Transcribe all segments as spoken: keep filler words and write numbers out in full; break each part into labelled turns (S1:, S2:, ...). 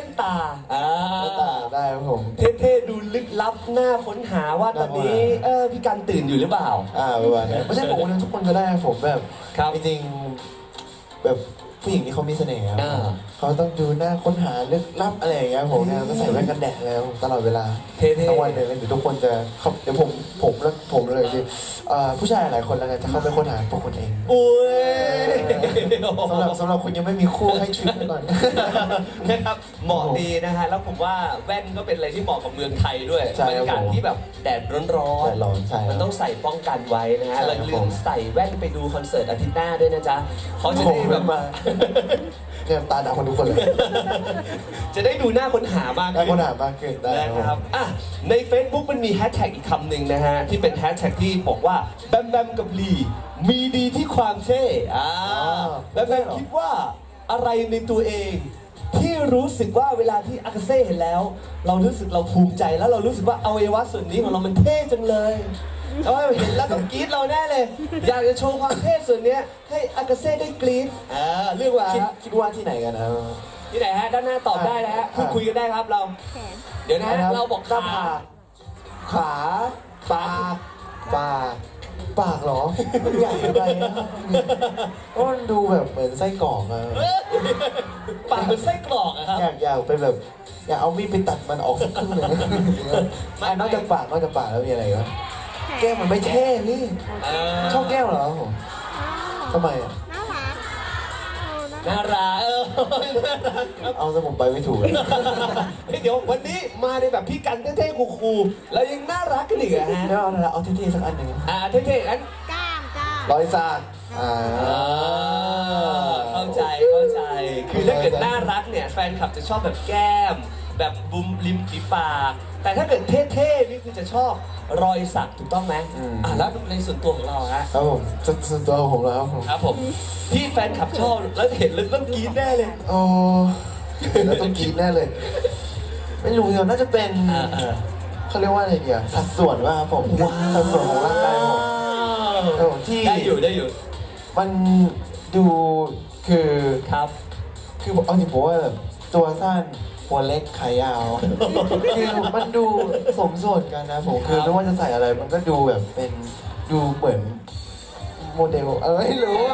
S1: นตาอ่า
S2: แว่นตาได้ครับผม
S1: เท่ๆดูลึกลับน่าค้นหาว่าตอนนี้เออพี่กันตื่นอยู่หรือเปล่า
S2: อ่าประมาณนั้นไม่ใช่ผมคนเดียวทุกคนก็ได้ผมแบบ
S1: ครับ
S2: จริงๆแบบผู้หญิงที่เขามีเสน่ห์ครับ
S1: อ่า
S2: เขาต้องดูหน้าค้นหาลึกลับอะไรอย่างเงี้ยผมเนี่ยก็ใส่แว่นกันแดดแล้วตลอดเวลา
S1: เท่ๆ
S2: ทั้งวันเลยแล้วเดี๋ยวทุกคนจะเขาเดี๋ยวผมผมแล้วผมเลยคือเอ่อผู้ชายหลายคนแล้วกันจะเข้าไปค้นหาพวกคนเอง
S1: อุ้ย
S2: สำหรับสำหรับคุณยังไม่มีคู่ให้ทริปไปก่อน
S1: นะครับเหมาะดีนะฮะแล้วผมว่าแว่นก็เป็นอะไรที่เหมาะกับเมืองไทยด้วย
S2: ใช่
S1: บรรยากาศที่แบบแดดร้อน
S2: แดดร้อนใช่ครับ
S1: มันต้องใส่ป้องกันไว้นะฮะ
S2: ใช่
S1: เรา
S2: ครับ
S1: ลืมใส่แว่นไปดูคอนเสิร์ตอาทิตย์หน้าด้วยนะจ๊ะเขาจะ
S2: ผ
S1: ได้
S2: ม
S1: แบบ
S2: มาเนี่ยตาดำคนทุกคนเลย
S1: จะได้ดูหน้าค้นหามาก
S2: ได้
S1: ขึ้น
S2: ค้นหามากขึ้นได้
S1: นะครับอ่ะใน Facebook มันมีแฮชแท็กอีกคำหนึ่งนะฮะ ที่เป็นแฮชแท็กที่บอกว่าแบมแบมกับลีมีดีที่ความเท่อ่าแบมแบมคิดว่าอะไรในตัวเอง ที่รู้สึกว่าเวลาที่อากาเซ่เห็นแล้ว เรารู้สึกเราภูมิใจแล้วเรารู้สึกว่าอวัยวะส่วนนี้ของเรามันเท่จังเลยแล้วเห็นแล้วต้องกรี๊ดเราแน่เลย อยากจะโชว์ความเท่ส่วนเนี้ยให้อากาเซ่ได้กรี๊ดอ่าเรื่องว่า
S2: คิดคิดว่าที่ไหนกันนะ
S1: ที่ไหนฮะด้านหน้าตอบได้นะฮะพูดคุยกันได้ครับเรา เดี๋ยวนะฮะเราบอก
S2: หน้า
S1: ขา
S2: ผากขาปากปากปากเหรอมันใหญ่ไปนะครับเพราะมันดูแบบเหมือนไส้กรอกอะ
S1: ปากเหมือนไส้กรอกอะครับ
S2: อยากอยากไปแบบอยากเอามีดไปตัดมันออกสักครึ่งหนึ่ง
S1: ไม่
S2: อ่ะนอกจากปากนอกจากปากแล้วมีอะไรอีกวะแก้มมันไม่เท่พี่
S1: เออ
S2: ชอบแก้มเหรอผมทำไมอ่ะ
S1: น่ารักเออน่ารักครับ
S2: เอาซะผมไปไม่ถูกเลย
S1: เฮ้ยเดี๋ยววันนี้มาในแบบพี่กันเท่ๆคูลๆแล้วยังน่ารักกันอีกอะฮะ
S2: แล้วเอาอะไรเอาเท่ๆสักอันหนึ่ง
S1: อ่าเท่ๆงั้น
S2: รอยสักอ่า
S1: อ่าเข้าใจเข้าใจ คือถ้าเกิดน่ารักเนี่ยแฟนคลับจะชอบแบบแก้ม แบบบุมริมฝีปาก แต่ถ้าเกิดเท่ๆนี่คือจะชอบรอยสักถูกต้องไหมอ่าแล้วในส่วนตัวของเราฮะ
S2: ครับผมส่วนส่วนตัวผมแล้วครับผม
S1: ครับผมที่แฟนคลับชอบแล้วเห็นแล้วต้องกรี๊ดแน่เลย
S2: โอ้เห็นแล้วต้องกรี๊ดแน่เลย ไม่รู้เดี๋ยวน่าจะเป็น
S1: อ่าอ่า
S2: เขาเรียกว่าอะไรเดียวสัดส่วนว่าครับผมสัดส่วนของร่างกายผมครับผมที่
S1: ได้อยู่ได้อยู่
S2: มันดูคือ
S1: ครับ
S2: คือเอาจริงผมว่าแบบตัวสั้นหัวเล็กขายาว คือมันดูสมส่วนกันนะผมคือไม่ว่าจะใส่อะไรมันก็ดูแบบเป็นดูเหมือนโมเดลเออไม่รู้อ่ะ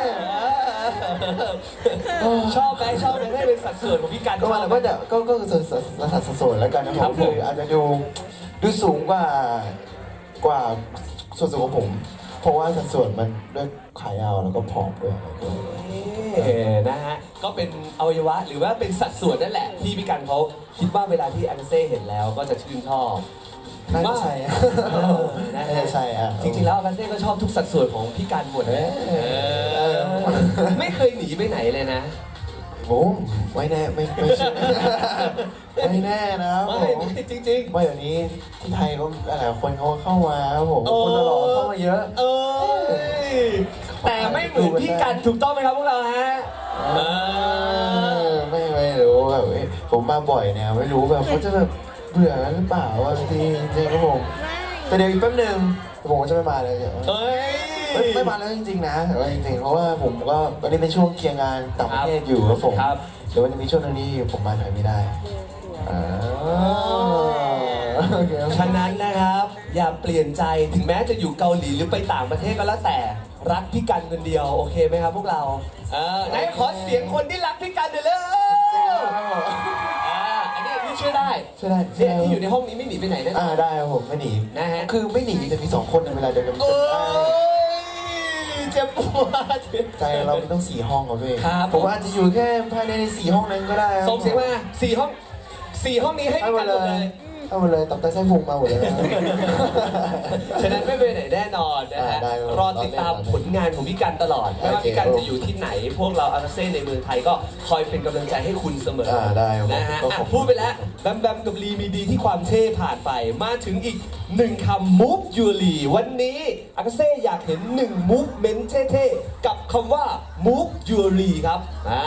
S2: เออ
S1: ชอบไหมชอบไหมให้เป็นสัดส่วนของพี่กัน
S2: ก็มันก็จะก็ก็คือส่วนระดับสัดส่วนแล้วกันนะค
S1: ครั
S2: รับบ
S1: ผม
S2: คืออาจจะดูดูสูงกว่ากว่าส่วนสูงของผม เพราะว่าสัดส่วนมันด้วยขายาวแล้วก็ผอมด้วย
S1: เออนะฮะก็เป็นอวัยวะหรือว่าเป็นสัดส่วนนั่นแหละที่พี่กันเขาคิดว่าเวลาที่อันเซ่เห็นแล้วก็จะชื่นชอบ
S2: น่าจะใช่อะ
S1: เออนะ
S2: น่า
S1: ฮะ
S2: จะใช่อ่ะ
S1: จริงๆแล้วอันเซ่ก็ชอบทุกสัดส่วนของพี่กันหมดนะ
S2: เออ
S1: เออไม่เคยหนีไปไหนเลยนะ
S2: โอ้ไม่แน่ไม่ไม่ใช่ ไม่แน่นะครับผ
S1: ไม่
S2: ม
S1: ไม่จริงๆ
S2: ไม่เดี๋ยวนี้ที่ไทยก็หลายคนเขาเข้ามาครับผมคนหล่อๆเข้ามาเยอะ
S1: เอ้ยแต่ไม่เหมือนพี่กันถูกต้องไหมครับพวกเราฮะเออ
S2: ไม่ไม่รู้แบบเอ้ยผมมาบ่อยเนี่ยไม่รู้แบบเขาจะแบบเบื่อกันหรือเปล่าว่าบางทีจริงๆครับผมแต่เดี๋ยวอีกแป๊บนึงผมก็จะไม่มาเลยเดี๋ยว
S1: เอ้ย
S2: ไม่ไม่มาแล้วจริงๆนะแต่ว่าจริงๆเพราะว่าผมก็ตอนนี้เป็นช่วงเคลียร์งานต่างประเทศอยู่ครับผม
S1: ครับ
S2: เดี๋ยวมันจะมีช่วงนึงที่ผมมาไทยไม่ได้อ่าโอเคครับ
S1: ฉะนั้นนะครับ อย่าเปลี่ยนใจถึงแม้จะอยู่เกาหลีหรือไปต่างประเทศก็แล้วแต่รักพี่กันคนเดียวโอเคไหมครับพวกเราเออไหนขอเสียงคนที่รักพี่กันเดี๋ยวเลยอ่าอันนี้พี่ช่วยได้
S2: ช่วยได้
S1: เนี่ยที่อยู่ในห้องนี้ไม่หนีไปไหนแน่น
S2: อ่า
S1: อน
S2: ได้ครับผมไม่หนี
S1: นะฮะ
S2: คือไม่หนีแต่มีสองคนในเวลาเดียวกัน
S1: โอ้ยเจ็บปวด
S2: ใจเราไม่ต้องสี่ห้องครับพี่
S1: ครับ
S2: ผมอาจจะอยู่แค่ภายในสี่ห้องนั้นก็ได้ครับ
S1: ส่งเสียงมาสี่ห้องสี่ห้องนี้ให้
S2: ให้
S1: พี่
S2: หม
S1: กั
S2: ด
S1: นห
S2: เล
S1: มดเลย ย
S2: เอาหมดเลยตับไตไส้พุงมาหมดเลยนะ
S1: ฉะนั้นไม่ไปไหนแน่นอนนะฮะ
S2: อ่าได้ครับ
S1: รอติดตามผลงานของพี่กันตลอดไม่ว่า
S2: โอเค
S1: พี่กันจะอยู่ที่ไหน พวกเราอาราเซ่ในเมืองไทยก็คอยเป็นกำลังใจให้คุณเสมอ
S2: อ่าได้ครับ
S1: นะฮะ
S2: ก็
S1: อ่ะ
S2: ขอบคุณ
S1: พูดไปแล้วแบมแบมกับลีมีดีที่ความเท่ผ่านไป มาถึงอีกหนึ่งคำ move your lee วันนี้อาราเซ่อยากเห็นหนึ่ง movement เท่ๆกับคำว่า move your lee ครับอ่า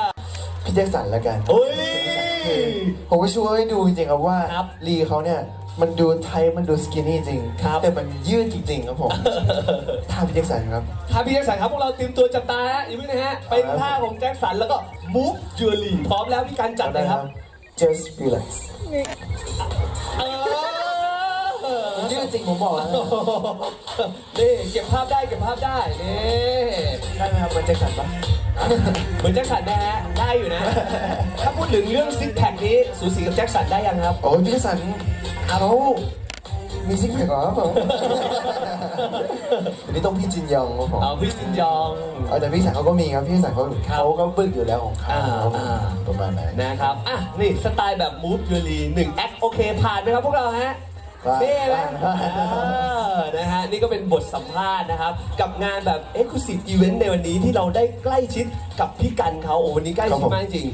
S2: พี่แจ็คสันแล้วกัน
S1: โอ้ย
S2: ผมก็ช่วยให้ดูจริงๆครับว่า
S1: ครับ
S2: ลีเขาเนี่ยมันดูไทยมันดูสกินนี่จริง
S1: ครับ
S2: แต่มันยืดจริง ๆ ครับผมท่าพี่แจ็คสันครับ
S1: ท่าพี่แจ็คสันครับพวกเราเตรียมตัวจับตาฮะอย่าเพิ่งนะฮะเป็นท่าของแจ็คสันแล้วก็ move jewelry พร้อมแล้วพี่การจัดเลยครับ
S2: just relax
S1: เออ
S2: มันยืดจริงผมบอกแล้วนะ
S1: นี่เก็บภาพได้เก็บภาพได้นี่
S2: ได้ไหมครับเหมันแจ็คสันปะ
S1: เหมือนแจ็คสันนะฮะได้อยู่นะ ถ้าพูดถึงเรื่องซิกแพคนี้สูสีกับแจ็คสันได้ยังครับ
S2: โอ้ยพี่แจ็คสันเขามีซิกแพคเหรอครับผมอันนี้ต้องพี่จินยองครับผม
S1: เอาพี่ซินยอง
S2: เอาแต่พี่สันเขาก็มีครับพี่สันเขา
S1: ครับ
S2: เขาก็บึ้งอยู่แล้วของเขา
S1: อ่า
S2: ครับ
S1: อ่า
S2: ประมาณนั้น
S1: นะครับ อ่ะ นี่สไตล์แบบ move jewelry หนึ่งแอคโอเค ผ่านไหมครับพวกเราฮะ นี่นะเออนะฮะ นี่ก็เป็นบทสัมภาษณ์นะครับ กับงานแบบ Exclusive Event ในวันนี้ที่เราได้ใกล้ชิดกับพี่กันเขาโอ้วันนี้ใกล้ชิดมากจริง